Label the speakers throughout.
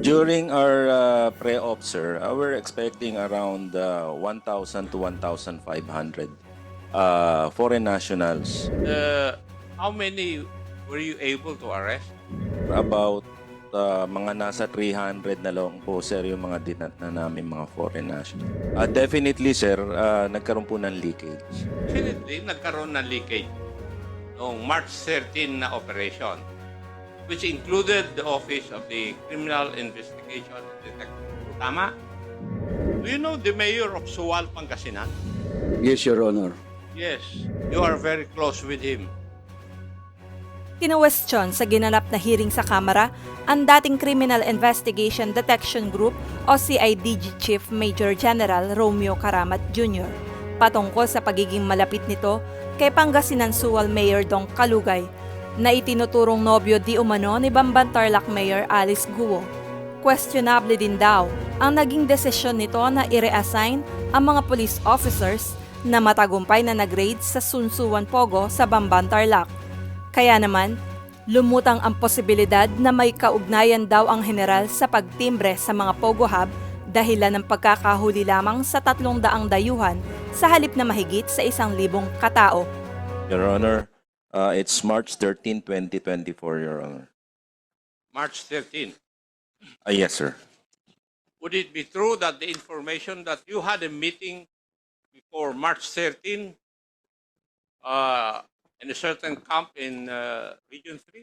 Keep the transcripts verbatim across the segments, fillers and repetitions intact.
Speaker 1: During our uh, pre-op, sir, uh, we're expecting around uh, one thousand to one thousand five hundred uh, foreign nationals.
Speaker 2: Uh, how many were you able to arrest?
Speaker 1: About uh, mga nasa three hundred na lang po, sir, yung mga dinat na namin mga foreign nationals. Uh, definitely, sir, uh, nagkaroon po ng leakage.
Speaker 2: Definitely, nagkaroon ng leakage noong March thirteenth na operation, which included the Office of the Criminal Investigation and Detection. Tama? Do you know the mayor of Suwal, Pangasinan?
Speaker 3: Yes, Your Honor.
Speaker 2: Yes, you are very close with him.
Speaker 4: Kinuwestiyon sa ginanap na hearing sa Kamara ang dating Criminal Investigation Detection Group o C I D G Chief Major General Romeo Karamat Junior patungkol sa pagiging malapit nito kay Pangasinan Suwal Mayor Dong Kalugay na itinuturong nobyo di umano ni Bamban Tarlac Mayor Alice Guo. Questionable din daw ang naging desisyon nito na i-reassign ang mga police officers na matagumpay na nag-raid sa Sunsuan Pogo sa Bamban Tarlac. Kaya naman, lumutang ang posibilidad na may kaugnayan daw ang general sa pagtimbre sa mga Pogo Hub dahilan ng pagkakahuli lamang sa tatlong daang dayuhan sa halip na mahigit sa isang libong katao.
Speaker 1: Your Honor, uh, it's March thirteenth, twenty twenty-four, Your Honor.
Speaker 2: March thirteenth.
Speaker 1: Uh, yes, sir.
Speaker 2: Would it be true that the information that you had a meeting before March thirteenth uh, in a certain camp in uh, Region three?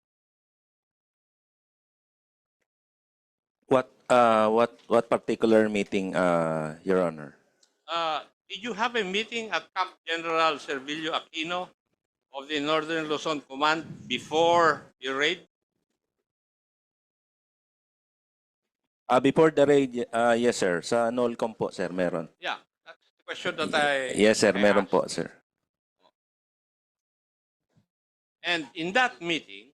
Speaker 1: What uh, what what particular meeting, uh, Your Honor?
Speaker 2: Uh, did you have a meeting at Camp General Servilio Aquino of the Northern Luzon Command before your raid?
Speaker 1: Uh, before the raid, uh, yes, sir. Sa NOLCOM po, sir, meron.
Speaker 2: Yeah, that's the question that I
Speaker 1: Yes, sir,
Speaker 2: I
Speaker 1: meron
Speaker 2: asked.
Speaker 1: po, sir.
Speaker 2: And in that meeting,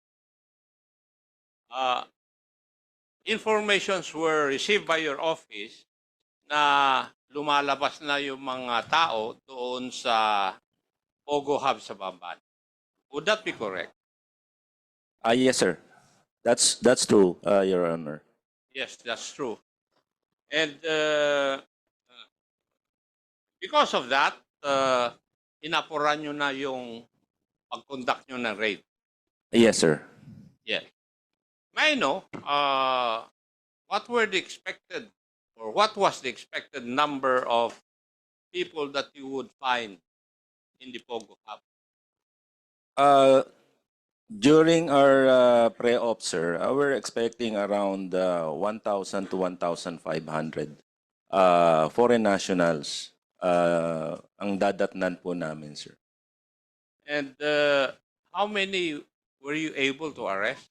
Speaker 2: uh, informations were received by your office na lumalabas na yung mga tao doon sa Pogo Hub sa Bamban. Would that be correct?
Speaker 1: Ah, yes, sir. That's that's true, uh, Your Honor.
Speaker 2: Yes, that's true. And uh, uh, because of that, uh, inapuran nyo na yung pag-conduct nyo ng raid.
Speaker 1: Yes, sir.
Speaker 2: Yes. May I know, uh, what were the expected, or what was the expected number of people that you would find in the Pogo Hub?
Speaker 1: Uh, during our uh, pre-op, sir, uh, we're expecting around uh, one thousand to one thousand five hundred uh, foreign nationals uh, ang dadatnan po namin, sir.
Speaker 2: And uh, how many were you able to arrest?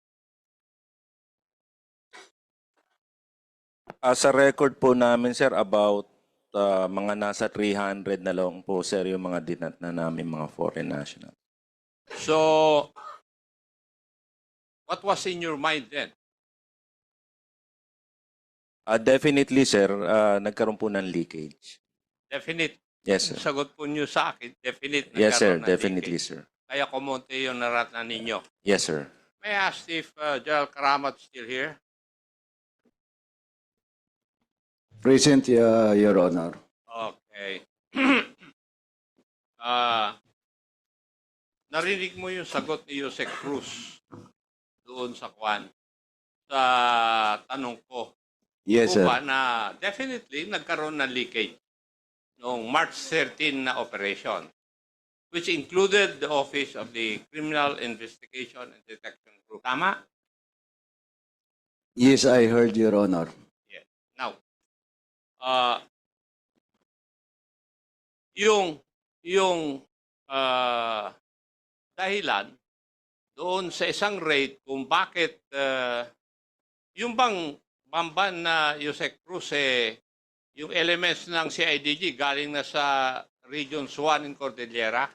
Speaker 1: Uh, sa record po namin, sir, about uh, mga nasa three hundred na lang po, sir, yung mga dinat na namin mga foreign nationals.
Speaker 2: So, what was in your mind then?
Speaker 1: Uh, definitely, sir, uh, nagkaroon po ng leakage.
Speaker 2: Definite.
Speaker 1: Yes, sir.
Speaker 2: Sagot po niyo sa akin, definite.
Speaker 1: Yes, sir.
Speaker 2: nagkaroon ng
Speaker 1: Definitely,
Speaker 2: leakage.
Speaker 1: sir.
Speaker 2: Kaya kumonte yung naratnan ninyo.
Speaker 1: Yes, sir.
Speaker 2: May I ask if uh, General Karamat still here?
Speaker 3: Present, uh, Your Honor.
Speaker 2: Okay. Ah, narinig mo yung sagot ni Jose Cruz doon sa kwan sa tanong ko.
Speaker 3: Yes,
Speaker 2: Kung
Speaker 3: sir.
Speaker 2: ba na definitely nagkaroon ng leakage noong March thirteenth na operation, which included the Office of the Criminal Investigation and Detection Group. Tama?
Speaker 3: Yes, I heard, Your Honor.
Speaker 2: Yes. Now, uh, yung yung uh, dahilan doon sa isang raid kung bakit uh, yung bang Bamban na Jose Cruz eh, yung elements ng C I D G galing na sa Region one in Cordillera.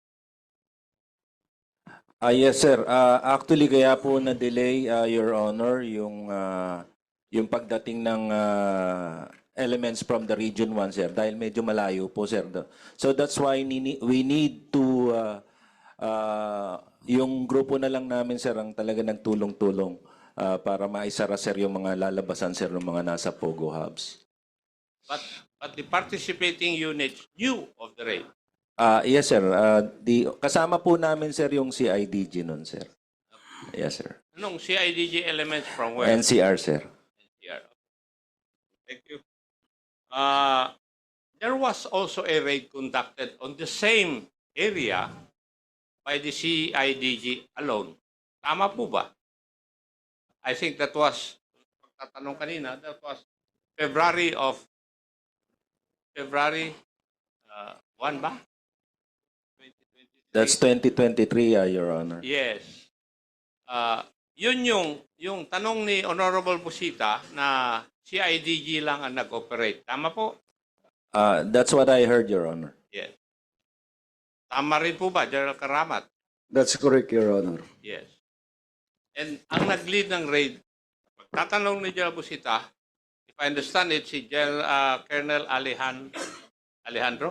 Speaker 1: Ah, yes, sir. Ah, actually, kaya po na-delay, ah, Your Honor, yung ah, yung pagdating ng ah, elements from the Region one, sir, dahil medyo malayo po, sir. So that's why nini- we need to, ah, ah, yung grupo na lang namin, sir, ang talaga nagtulong-tulong ah, para maisara, sir, yung mga lalabasan, sir, ng mga nasa Pogo hubs.
Speaker 2: But, but the participating units knew of the raid.
Speaker 1: Ah, yes, sir. Ah, di, kasama po namin, sir, yung C I D G nun, sir. Yes, sir.
Speaker 2: Anong C I D G elements from where?
Speaker 1: N C R, sir.
Speaker 2: Yeah. Thank you. Uh, there was also a raid conducted on the same area by the C I D G alone. Tama po ba? I think that was, pagtatanong kanina, that was February of, February uh, one ba? twenty twenty-three.
Speaker 1: That's twenty twenty-three, ah, Your Honor.
Speaker 2: Yes. Uh, yun yung, yung tanong ni Honorable Busita na C I D G lang ang nag-operate. Tama po?
Speaker 1: Ah, that's what I heard, Your Honor.
Speaker 2: Yes. Tama rin po ba, General Karamat?
Speaker 3: That's correct, Your Honor.
Speaker 2: Yes. And ang nag-lead ng raid, pagtatanong ni General Busita, if I understand it, si General, uh, Colonel Alejan, Alejandro?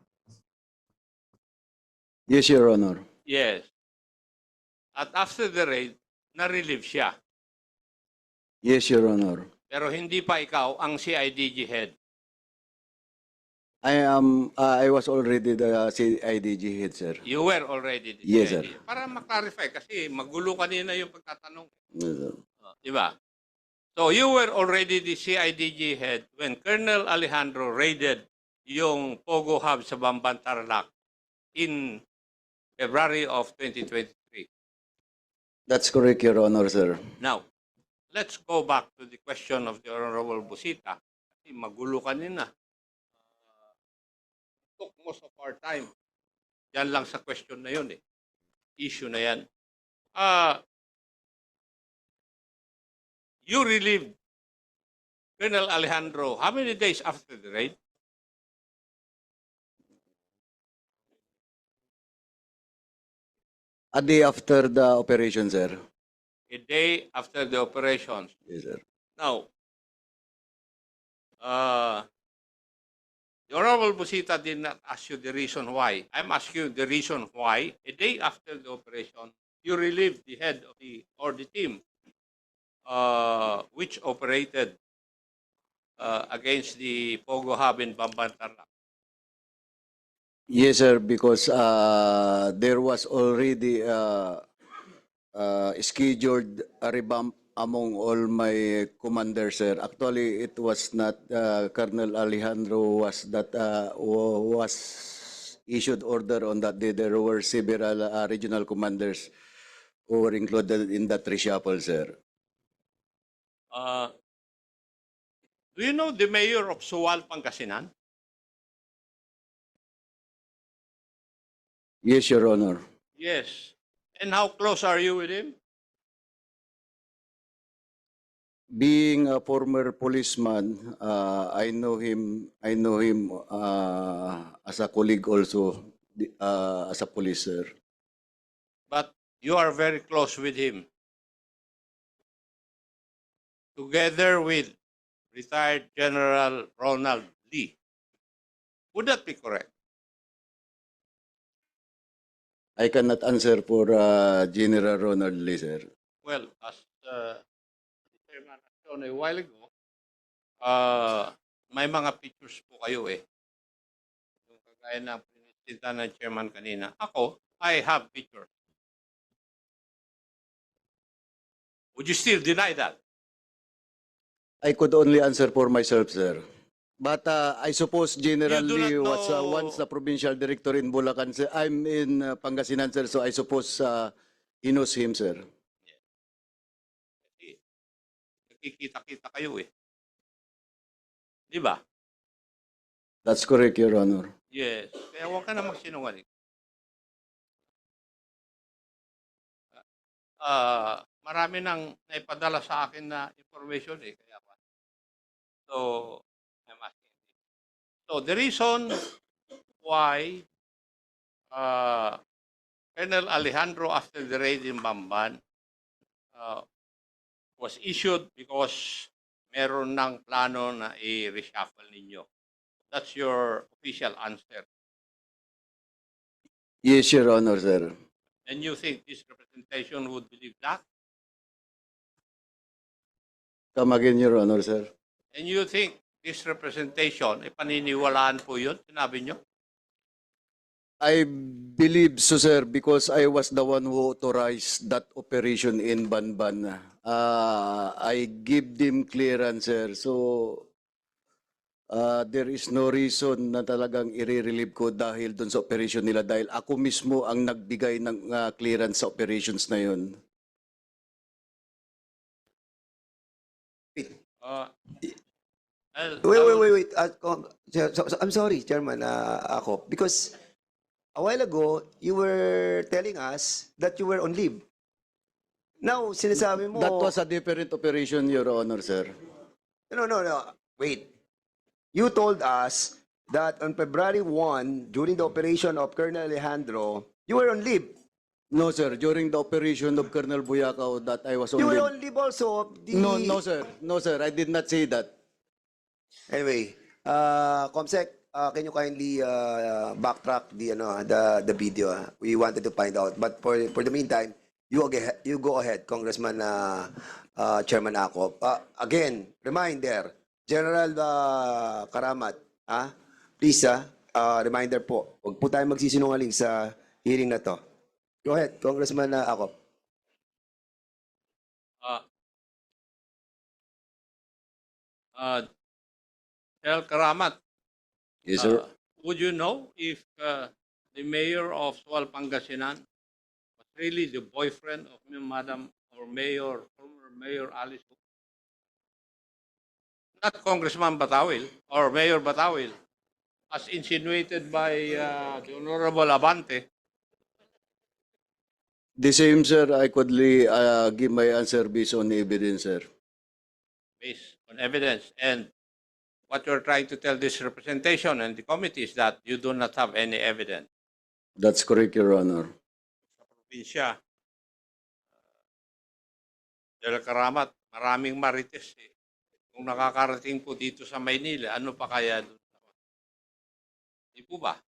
Speaker 3: Yes, Your Honor.
Speaker 2: Yes. At after the raid, na-relieve siya.
Speaker 3: Yes, Your Honor.
Speaker 2: Pero hindi pa ikaw ang C I D G head.
Speaker 3: I am. Uh, I was already the C I D G head, sir.
Speaker 2: You were already the
Speaker 3: Yes,
Speaker 2: C I D G.
Speaker 3: sir.
Speaker 2: Para maklarify, kasi magulo kanina yung pagtatanong.
Speaker 3: Yes, sir.
Speaker 2: Uh, di ba? So you were already the C I D G head when Colonel Alejandro raided yung Pogo Hub sa Bamban, Tarlac in February of twenty twenty-three.
Speaker 3: That's correct, Your Honor, sir.
Speaker 2: Now, let's go back to the question of the Honorable Busita. Kasi magulo kanina. Uh, took most of our time. Yan lang sa question na yun eh. Issue na yan. Uh, you relieved Colonel Alejandro how many days after the raid?
Speaker 3: A day after the operation, sir.
Speaker 2: A day after the operations.
Speaker 3: Yes, sir.
Speaker 2: Now, uh, the Honorable Busita did not ask you the reason why. I'm asking you the reason why, a day after the operation, you relieved the head of the, or the team, uh, which operated uh, against the Pogo Hub in Bamban, Tarlac.
Speaker 3: Yes, sir, because uh, there was already uh, uh, scheduled a revamp among all my commanders, sir. Actually, it was not uh, Colonel Alejandro was that uh, wa- was issued order on that day. There were several uh, regional commanders who were included in that reshuffle, sir.
Speaker 2: Uh, do you know the mayor of Suwal, Pangasinan?
Speaker 3: Yes, Your Honor.
Speaker 2: Yes. And how close are you with him?
Speaker 3: Being a former policeman, uh, I know him. I know him uh, as a colleague, also uh, as a police, sir.
Speaker 2: But you are very close with him. Together with retired General Ronald Lee. Would that be correct?
Speaker 3: I cannot answer for uh, General Ronald Lee, sir.
Speaker 2: Well, as uh, the chairman has shown a while ago, uh, may mga pictures po kayo eh. Yung kagaya ng pinisita ng chairman kanina. Ako, I have pictures. Would you still deny that?
Speaker 3: I could only answer for myself, sir. But uh, I suppose General
Speaker 2: You do
Speaker 3: Lee
Speaker 2: not
Speaker 3: was uh,
Speaker 2: know-
Speaker 3: once the provincial director in Bulacan, sir. I'm in uh, Pangasinan, sir, so I suppose uh, he knows him, sir.
Speaker 2: Kasi nakikita-kita kayo eh. Di ba?
Speaker 3: That's correct, Your Honor.
Speaker 2: Yes. Kaya huwag ka na magsinungaling. Ah, marami nang naipadala sa akin na information eh. Kaya pa. So, I'm asking. So, the reason why uh, Colonel Alejandro, after the raid in Bamban, uh, was issued because meron ng plano na i-reshuffle ninyo. That's your official answer.
Speaker 3: Yes, Your Honor, sir.
Speaker 2: And you think this representation would believe that?
Speaker 3: Come again, Your Honor, sir.
Speaker 2: And you think this representation, eh, paniniwalaan po yun? Sinabi nyo?
Speaker 3: I believe so, sir, because I was the one who authorized that operation in Banban. Uh, I give them clearance, sir. So, uh, there is no reason na talagang i-relieve ko dahil dun sa operation nila dahil ako mismo ang nagbigay ng uh, clearance sa operations na yun.
Speaker 2: Uh, I'll-
Speaker 5: Wait, wait,
Speaker 2: I'll-
Speaker 5: wait, wait. Uh, com- so- so- so- I'm sorry, Chairman, uh, ako, because a while ago, you were telling us that you were on leave. Now, sinasabi mo...
Speaker 3: That was a different operation, Your Honor, sir.
Speaker 5: No, no, no. Wait. You told us that on February first, during the operation of Colonel Alejandro, you were on leave.
Speaker 3: No, sir. During the operation of Colonel Buyakaw that I was on
Speaker 5: You were
Speaker 3: leave.
Speaker 5: on leave also of the...
Speaker 3: No, no, sir. No, sir. I did not say that.
Speaker 5: Anyway, uh, Comsec, uh, can you kindly uh, backtrack the ano the the video? ah? We wanted to find out, but for for the meantime, you go ahead, you go ahead, Congressman uh, uh, Chairman Akop. Uh, again, reminder, General uh, Karamat, ah, please ah, uh, reminder po, huwag po tayo magsisinungaling sa hearing na to. Go ahead, Congressman uh, Akop.
Speaker 2: Uh, uh, El Karamat,
Speaker 3: Yes,
Speaker 2: uh, would you know if uh, the mayor of Sual Pangasinan was really the boyfriend of Madam or Mayor, former Mayor Alice? Go? Not Congressman Batawil or Mayor Batawil, as insinuated by uh, the Honorable Abante.
Speaker 3: The same, sir. I could uh, give my answer based on evidence, sir.
Speaker 2: Based on evidence. And what you're trying to tell this representation and the committee is that you do not have any evidence.
Speaker 3: That's correct, Your Honor.
Speaker 2: Sa probinsya, Del Karamat, maraming marites eh. Kung nakakarating po dito sa Maynila, ano pa kaya doon? Di po ba?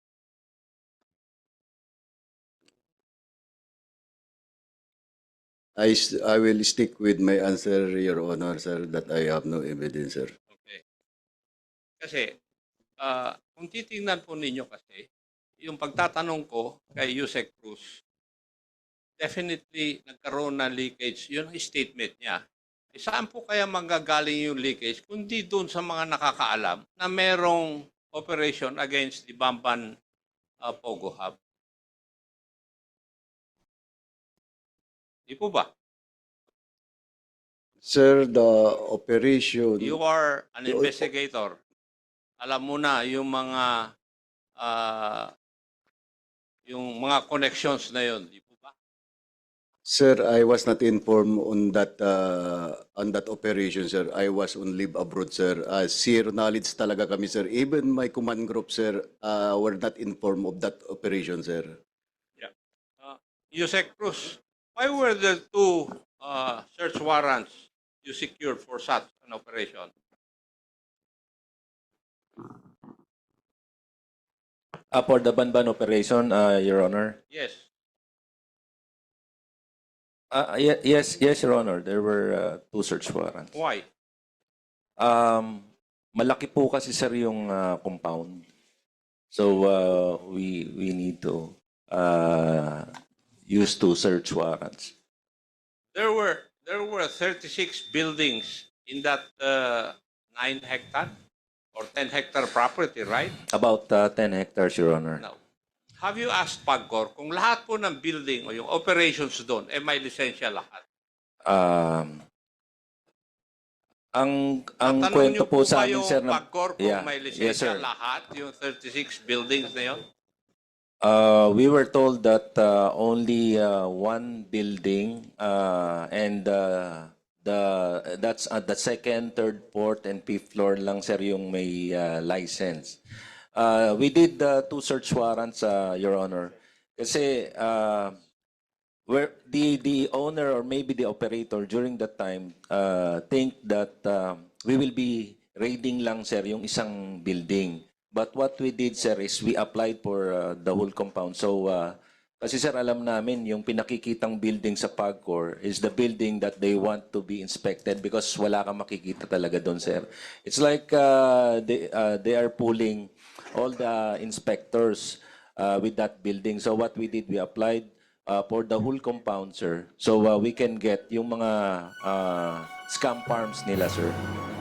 Speaker 3: I, s- I will stick with my answer, Your Honor, sir, that I have no evidence, sir.
Speaker 2: Okay. Kasi, ah, kung titingnan po ninyo kasi, yung pagtatanong ko kay Yusek Cruz, definitely nagkaroon ng leakage. Yun ang statement niya. Eh, saan po kaya manggagaling yung leakage kundi doon sa mga nakakaalam na merong operation against the Bamban uh, Pogo Hub? Di po ba?
Speaker 3: Sir, the operation...
Speaker 2: You are an
Speaker 3: You-
Speaker 2: investigator. Alam mo na yung mga ah, yung mga connections na yun. Di po ba?
Speaker 3: Sir, I was not informed on that uh, on that operation, sir. I was on leave abroad, sir. Uh, zero knowledge talaga kami, sir. Even my command group, sir, uh, were not informed of that operation, sir.
Speaker 2: Yusek Cruz, why were there two uh, search warrants you secured for such an operation?
Speaker 1: Uh, for the Banban operation, uh, Your Honor.
Speaker 2: Yes.
Speaker 1: Uh, ye- yes, yes, Your Honor. There were uh, two search warrants.
Speaker 2: Why?
Speaker 1: Um, malaki po kasi sir yung uh, compound. So uh, we we need to uh, use two search warrants.
Speaker 2: There were there were thirty-six buildings in that uh, nine hectare or ten hectare property, right?
Speaker 1: About uh, ten hectares, Your Honor.
Speaker 2: Now, have you asked PAGCOR kung lahat po ng building o yung operations doon eh may lisensya lahat?
Speaker 1: Um, ang ang
Speaker 2: Natanong
Speaker 1: kwento
Speaker 2: niyo
Speaker 1: po
Speaker 2: ba
Speaker 1: sa amin
Speaker 2: yung
Speaker 1: sir na
Speaker 2: PAGCOR kung
Speaker 1: Yeah.
Speaker 2: may
Speaker 1: Yes,
Speaker 2: lisensya
Speaker 1: sir.
Speaker 2: lahat, yung thirty-six buildings na yun?
Speaker 1: Uh, we were told that uh, only uh, one building uh, and uh, the that's at the second, third, fourth, and fifth floor lang sir yung may uh, license. Uh, we did uh, two search warrants, uh, Your Honor, kasi uh, where the the owner or maybe the operator during that time uh, think that uh, we will be raiding lang sir yung isang building. But what we did, sir, is we applied for uh, the whole compound. So uh, Kasi sir, alam namin yung pinakikitang building sa PAGCOR is the building that they want to be inspected because wala kang makikita talaga doon, sir. It's like uh, they, uh, they are pulling all the inspectors uh, with that building. So what we did, we applied uh, for the whole compound, sir. So uh, we can get yung mga uh, scam farms nila, sir.